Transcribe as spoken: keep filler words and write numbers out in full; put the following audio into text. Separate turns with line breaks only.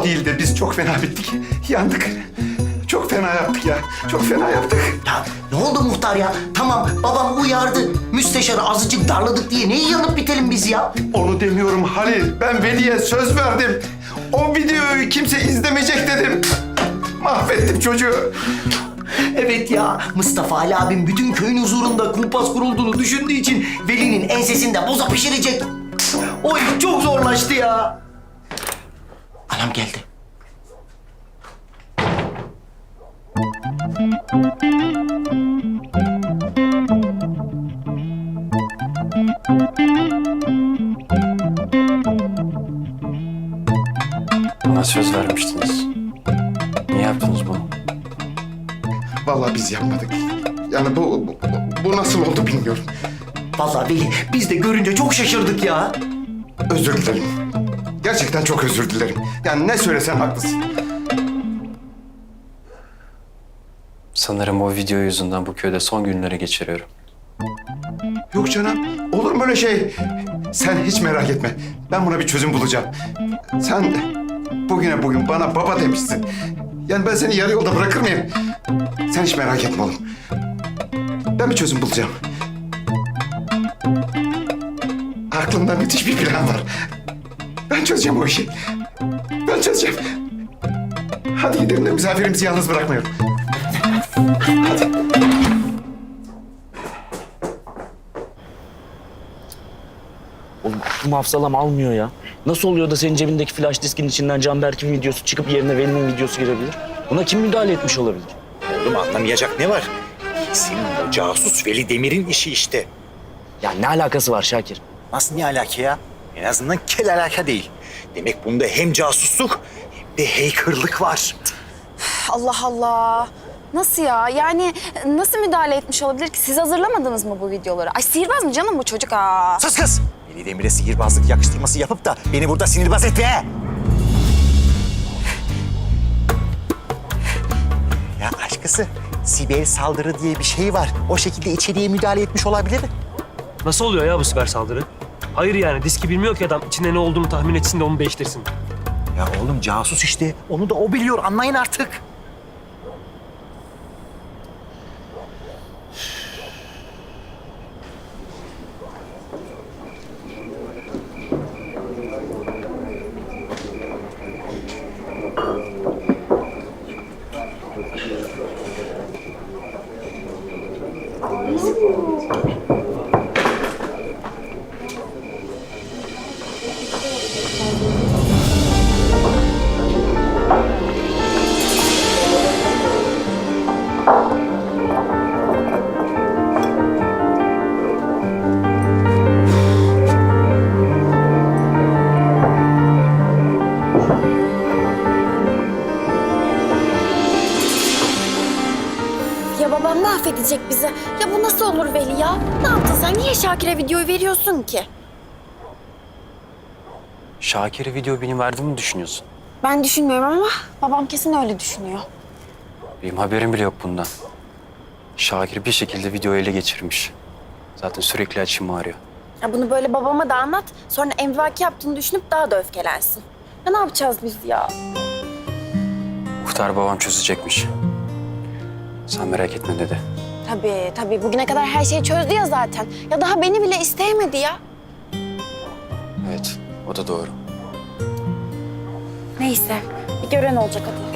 o değil de biz çok fena bittik. Yandık. Çok fena yaptık ya. Çok fena yaptık.
Ya ne oldu muhtar ya? Tamam babam uyardı. Müsteşarı azıcık darladık diye neyi yanıp bitelim biz ya?
Onu demiyorum Halil. Ben Veli'ye söz verdim. O videoyu kimse izlemeyecek dedim. Mahvettim çocuğu.
Evet ya, Mustafa Ali abim bütün köyün huzurunda kumpas kurulduğunu düşündüğü için Veli'nin ensesinde boza pişirecek. O iş çok zorlaştı ya. Anam geldi.
Bana söz vermiştiniz. Niye yaptınız bunu?
Vallahi biz yapmadık. Yani bu, bu, bu nasıl oldu bilmiyorum.
Vallahi Veli, biz de görünce çok şaşırdık ya.
Özür dilerim. Gerçekten çok özür dilerim. Yani ne söylesen haklısın.
Sanırım o video yüzünden bu köyde son günleri geçiriyorum.
Yok canım. Olur mu öyle şey? Sen hiç merak etme. Ben buna bir çözüm bulacağım. Sen bugüne bugün bana baba demişsin. Yani ben seni yarı yolda bırakır mıyım? Sen hiç merak etme oğlum. Ben bir çözüm bulacağım. Aklımda müthiş bir plan var. Ben çözeceğim o işi. Ben çözeceğim. Hadi gidelim de misafirimizi yalnız bırakmayalım. Hadi.
Oğlum aklım hafsalam almıyor ya. Nasıl oluyor da senin cebindeki flash diskin içinden Canberk'in videosu çıkıp yerine Veli'nin videosu girebilir? Buna kim müdahale etmiş olabilir?
Oğlum anlamayacak ne var? Kesin o casus Veli Demir'in işi işte.
Ya ne alakası var Şakir?
Nasıl ne alaka ya? En azından kel alaka değil. Demek bunda hem casusluk hem de hackerlık var.
Allah Allah. Nasıl ya? Yani nasıl müdahale etmiş olabilir ki? Siz hazırlamadınız mı bu videoları? Ay sihirbaz mı canım bu çocuk ha?
Sus kız! Veli Demir'e sihirbazlık yakıştırması yapıp da beni burada sinirbaz etme. Ya aşkısı, siber saldırı diye bir şey var. O şekilde içeriye müdahale etmiş olabilir.
Nasıl oluyor ya bu siber saldırı? Hayır yani diski bilmiyor ki adam içinde ne olduğunu tahmin etsin de onu değiştirsin.
Ya oğlum casus işte. Onu da o biliyor. Anlayın artık.
Ya babam mahvedecek bizi. Ya bu nasıl olur Veli ya? Ne yaptın sen? Niye Şakir'e videoyu veriyorsun ki?
Şakir'e video benim verdiğimi düşünüyorsun.
Ben düşünmüyorum ama babam kesin öyle düşünüyor.
Benim haberim bile yok bundan. Şakir bir şekilde videoyu ele geçirmiş. Zaten sürekli açım ağrıyor.
Ya bunu böyle babama da anlat. Sonra emvaki yaptığını düşünüp daha da öfkelensin. Ya ne yapacağız biz ya?
Muhtar babam çözecekmiş. Sen merak etme dedi.
Tabii tabii. Bugüne kadar her şeyi çözdü ya zaten. Ya daha beni bile isteyemedi ya.
Evet, o da doğru.
Neyse. Bir gören olacak hadi.